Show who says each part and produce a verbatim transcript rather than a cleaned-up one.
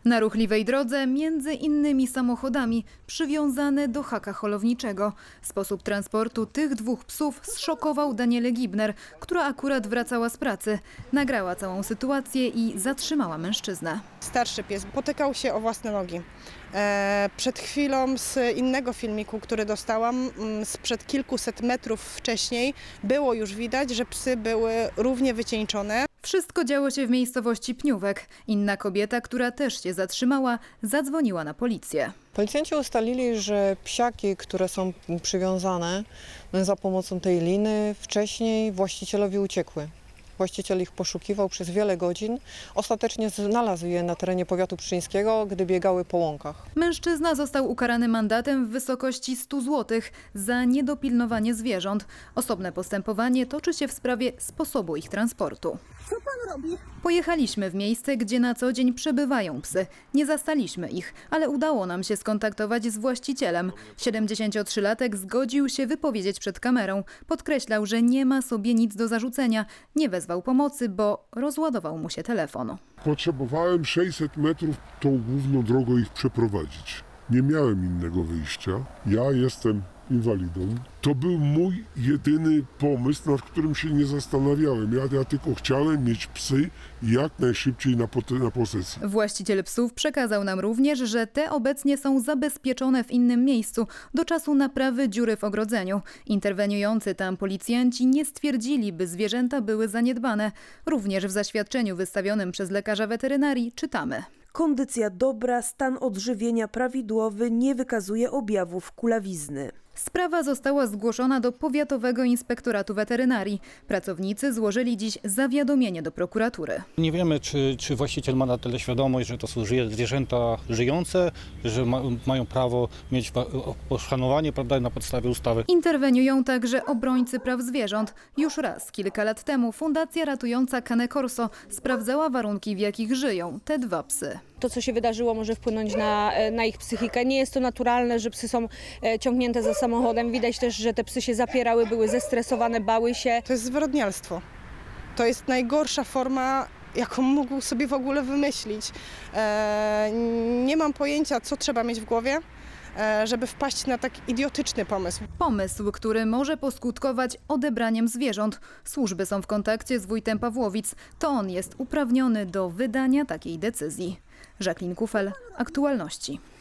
Speaker 1: Na ruchliwej drodze między innymi samochodami przywiązane do haka holowniczego. Sposób transportu tych dwóch psów zszokował Danielę Gibner, która akurat wracała z pracy. Nagrała całą sytuację i zatrzymała mężczyznę.
Speaker 2: Starszy pies potykał się o własne nogi. E, przed chwilą z innego filmiku, który dostałam, sprzed kilkuset metrów wcześniej, było już widać, że psy były równie wycieńczone.
Speaker 1: Wszystko działo się w miejscowości Pniówek. Inna kobieta, która też się zatrzymała, zadzwoniła na policję.
Speaker 3: Policjanci ustalili, że psiaki, które są przywiązane za pomocą tej liny, wcześniej właścicielowi uciekły. Właściciel ich poszukiwał przez wiele godzin. Ostatecznie znalazł je na terenie powiatu pszczyńskiego, gdy biegały po łąkach.
Speaker 1: Mężczyzna został ukarany mandatem w wysokości stu złotych za niedopilnowanie zwierząt. Osobne postępowanie toczy się w sprawie sposobu ich transportu.
Speaker 4: Co pan robi?
Speaker 1: Pojechaliśmy w miejsce, gdzie na co dzień przebywają psy. Nie zastaliśmy ich, ale udało nam się skontaktować z właścicielem. siedemdziesięciotrzylatek zgodził się wypowiedzieć przed kamerą. Podkreślał, że nie ma sobie nic do zarzucenia. Nie wezwał pomocy, bo rozładował mu się telefon.
Speaker 5: Potrzebowałem sześćset metrów tą główną drogą ich przeprowadzić. Nie miałem innego wyjścia. Ja jestem inwalidą. To był mój jedyny pomysł, nad którym się nie zastanawiałem. Ja, ja tylko chciałem mieć psy jak najszybciej na, pot- na posesji.
Speaker 1: Właściciel psów przekazał nam również, że te obecnie są zabezpieczone w innym miejscu do czasu naprawy dziury w ogrodzeniu. Interweniujący tam policjanci nie stwierdzili, by zwierzęta były zaniedbane. Również w zaświadczeniu wystawionym przez lekarza weterynarii czytamy:
Speaker 4: Kondycja dobra, stan odżywienia prawidłowy, nie wykazuje objawów kulawizny.
Speaker 1: Sprawa została zgłoszona do Powiatowego Inspektoratu Weterynarii. Pracownicy złożyli dziś zawiadomienie do prokuratury.
Speaker 6: Nie wiemy, czy, czy właściciel ma na tyle świadomość, że to są zwierzęta żyjące, że ma, mają prawo mieć poszanowanie, prawda, na podstawie ustawy.
Speaker 1: Interweniują także obrońcy praw zwierząt. Już raz, kilka lat temu, Fundacja ratująca Cane Corso sprawdzała warunki, w jakich żyją te dwa psy.
Speaker 7: To, co się wydarzyło, może wpłynąć na, na ich psychikę. Nie jest to naturalne, że psy są ciągnięte za samochodem. Widać też, że te psy się zapierały, były zestresowane, bały się.
Speaker 2: To jest zwyrodnialstwo. To jest najgorsza forma, jaką mógł sobie w ogóle wymyślić. E, nie mam pojęcia, co trzeba mieć w głowie, e, żeby wpaść na tak idiotyczny pomysł.
Speaker 1: Pomysł, który może poskutkować odebraniem zwierząt. Służby są w kontakcie z wójtem Pawłowic. To on jest uprawniony do wydania takiej decyzji. Jacqueline Kufel, Aktualności.